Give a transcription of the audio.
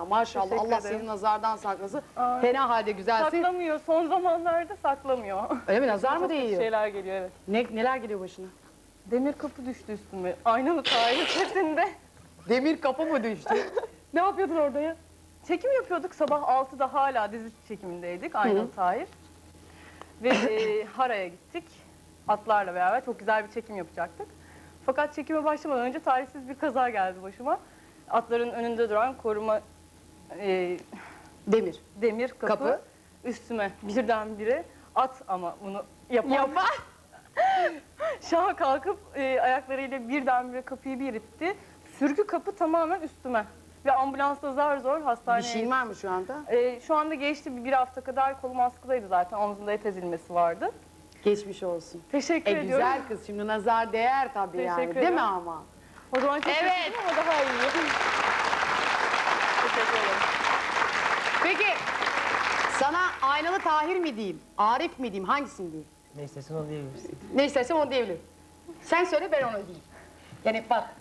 maşallah. Teşekkür Allah ederim. seni nazardan saklasın. Fena halde güzelsin. Saklamıyor. Son zamanlarda saklamıyor. Öyle mi? Nazar mı Çok kötü değiyor? şeyler geliyor, evet. Neler geliyor başına? Demir kapı düştü üstüme. Aynalı Tahir setinde. Demir kapı mı düştü? Ne yapıyordun orada ya? Çekim yapıyorduk. Sabah 6'da hala dizi çekimindeydik. Aynalı Tahir. Ve Hara'ya gittik. Atlarla beraber çok güzel bir çekim yapacaktık. Fakat çekime başlamadan önce talihsiz bir kaza geldi başıma. Atların önünde duran koruma Demir. demir kapı, üstüme birdenbire at ama bunu yapan. Şaha kalkıp ayaklarıyla birdenbire kapıyı bir itti. Sürgü kapı tamamen üstüme. Ve ambulansla zar zor Bir hastaneye... şeyin var mı şu anda? Şu anda geçti, bir hafta kadar kolum askıdaydı zaten. Omzumda et ezilmesi vardı. Geçmiş olsun. Teşekkür ediyorum. Güzel kız, şimdi nazar değer tabii yani. Teşekkür Değil mi ederim. ama? O zaman çok Evet. üzüldüm ama daha iyi. Teşekkür ederim. Peki sana Aynalı Tahir mi diyeyim, Arif mi diyeyim, hangisini diyeyim? Ne istersen onu diyebilirsin. Ne istersen onu diyebilirim. Sen söyle, ben onu diyeyim. Yani bak,